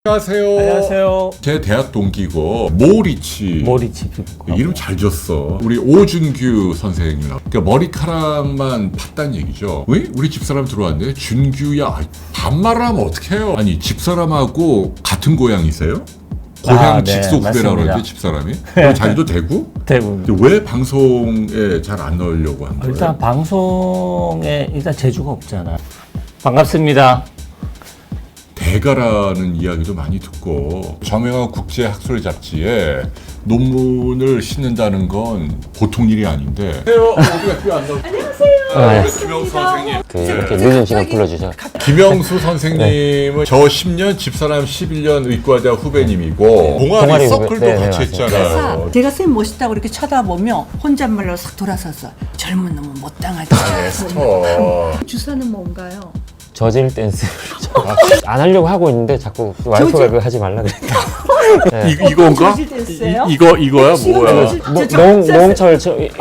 안녕하세요. 안녕하세요. 제 대학 동기고 모리치 피부과. 이름 잘 졌어. 우리 오준규 선생님. 그러니까 머리카락만 팠단 얘기죠. 왜? 우리 집사람 들어왔는데 준규야 반말을 하면 어떡해요? 아니 집사람하고 같은 고향이세요? 고향 네, 직속 후배라고 맞습니다. 그러는데 집사람이? 그럼 자기도 대구? 대부분. 근데 왜 방송에 잘 안 넣으려고 한 거예요? 일단 방송에 일단 재주가 없잖아. 반갑습니다. 대가라는 이야기도 많이 듣고 저명한 국제학술 잡지에 논문을 싣는다는 건 보통 일이 아닌데. 안녕하세요. 김영수 선생님. 이렇게 늦은 시간 불러주셔. 김영수 선생님은 저 10년, 집사람 11년 의과대학 후배님이고 동아리 동아리 서클도 후배. 네, 같이 네, 했잖아요. 그래서 제가 쌤 멋있다고 이렇게 쳐다보며 혼잣말로 싹 돌아서서 젊은 놈은 못 당하지. 주사는 뭔가요? 저질 댄스. 안 하려고 하고 있는데 자꾸 와이프가 저질? 그거 하지 말라 그랬다. 이건가? 저질 댄스예요? 이거야 뭐야? 농철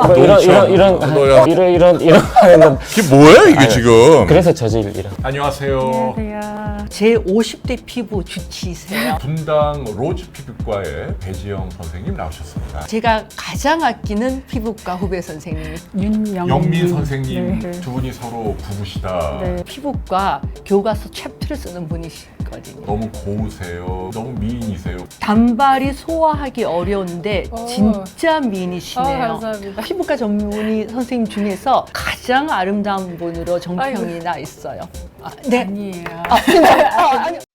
이런 하는 이게 뭐야 이게 지금? 그래서 저질이라. 안녕하세요. 제 50대 피부 주치세요. 분당 로즈 피부과의 배지영 선생님 나오셨습니다. 제가 가장 아끼는 피부과 후배 선생님이 영민 선생님 네. 두 분이 서로 부부시다. 네. 피부과 교과서 챕터를 쓰는 분이시거든요. 너무 고우세요. 너무 미인이세요. 단발이 소화하기 어려운데 진짜 미인이시네요. 감사합니다. 피부과 전문의 선생님 중에서 가장 아름다운 분으로 정평이 나 있어요. 네. 아니에요. 아니,